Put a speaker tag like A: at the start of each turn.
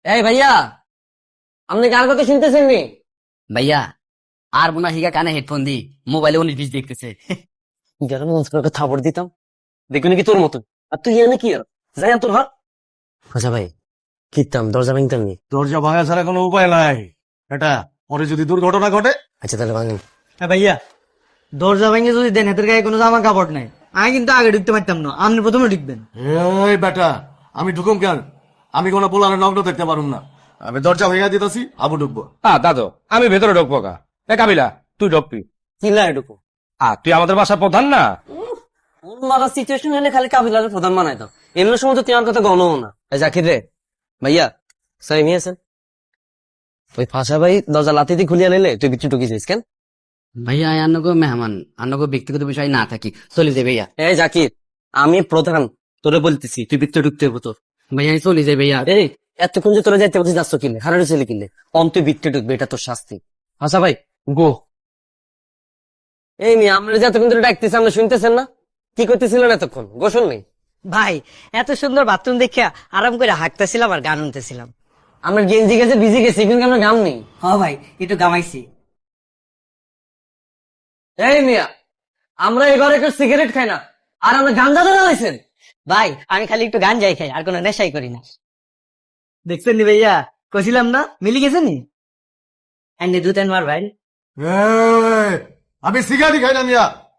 A: এই ভাইয়া, আপনি কার কথা শুনতেছেন নি?
B: ভাইয়া আর মনে হয় হিগা কানে হেডফোন দি মোবাইলে 19-20 দেখতেছে।
A: গেলাম থাপড় দিতাম, দেখবি নাকি তোর মতন। আর তুই এনে কি আর যাই তোর হাত। আচ্ছা ভাই, কিতাম দরজা ভাঙতাম নি।
C: দরজা ভাঙা ছাড়া কোনো উপায় নাই। এটা পরে যদি দুর্ঘটনা ঘটে।
A: আচ্ছা তাহলে ভাঙেন।
D: হ্যাঁ ভাইয়া, দরজা ভেঙে যদি দেন, হাতের গায়ে কোনো জামা কাপড় নাই, আমি কিন্তু আগে ঢুকতে পারতাম না, আপনি প্রথমে ঢুকবেন।
C: এই বেটা, আমি ঢুকুম কেন? আমি কোনো পোলারে নগ্ন দেখতে পারুম না। আমি দরজা ভেঙে দিতেছি, আবু ঢুকবো।
E: দাদু, আমি ভেতরে ঢুকবো কা? এ কাবিলা, তুই ঢুকবি।
A: চিল্লা এটুকু।
E: তুই আমাদের বাসার প্রধান না?
A: মারা সিচুয়েশন হলে খালি কাবিলার প্রধান বানাই দাও। এমনি সময় তো তোমার কথা গণও না। এই জাকির রে, ভাইয়া সাই আছেন? ওই ফাঁসা ভাই দরজা লাতিতে খুলিয়া নিলে তুই বিচ্ছু ঢুকিছিস কেন?
B: ভাইয়া আন্নগো মেহমান, আন্নগো ব্যক্তিগত বিষয় না থাকি চলে যাই ভাইয়া।
A: এই জাকির, আমি প্রধান, তোরে বলতেছি তুই বিচ্ছু ঢুকতে হবো তোর।
B: ভাইয়া আমি চলে যাই ভাইয়া।
A: এই এতক্ষণ যে তোরা যাইতে বলছিস, যাচ্ছ কিনলে হারারে ছেলে কিনলে কম, তুই বিত্তে ঢুকবে, এটা তোর শাস্তি। আচ্ছা ভাই গো। এই মেয়ে, আমরা যে এতক্ষণ ধরে ডাকতেছি, আমরা শুনতেছেন না? কি করতেছিলেন এতক্ষণ? গোসল নেই?
D: ভাই, এত সুন্দর বাথরুম দেখিয়া আরাম করে হাঁটতেছিলাম আর গান শুনতেছিলাম।
A: আমরা গেঞ্জি গেছে ভিজে গেছি, কিন্তু আমরা গাম নেই।
D: হ্যাঁ ভাই, একটু গামাইছি।
A: এই মিয়া, আমরা এবার একটু সিগারেট খাই না, আর আমরা গাঞ্জা ধরে লাইছেন।
D: ভাই, আমি খালি একটু গান যাই খাই, আর কোনো নেশাই করি না। দেখছেন নি ভাইয়া, কছিলাম না মিলি গেছে নি। এন্ডে দুতেন মার ভাই।
C: এই, আমি সিগারেট খাই না মিয়া।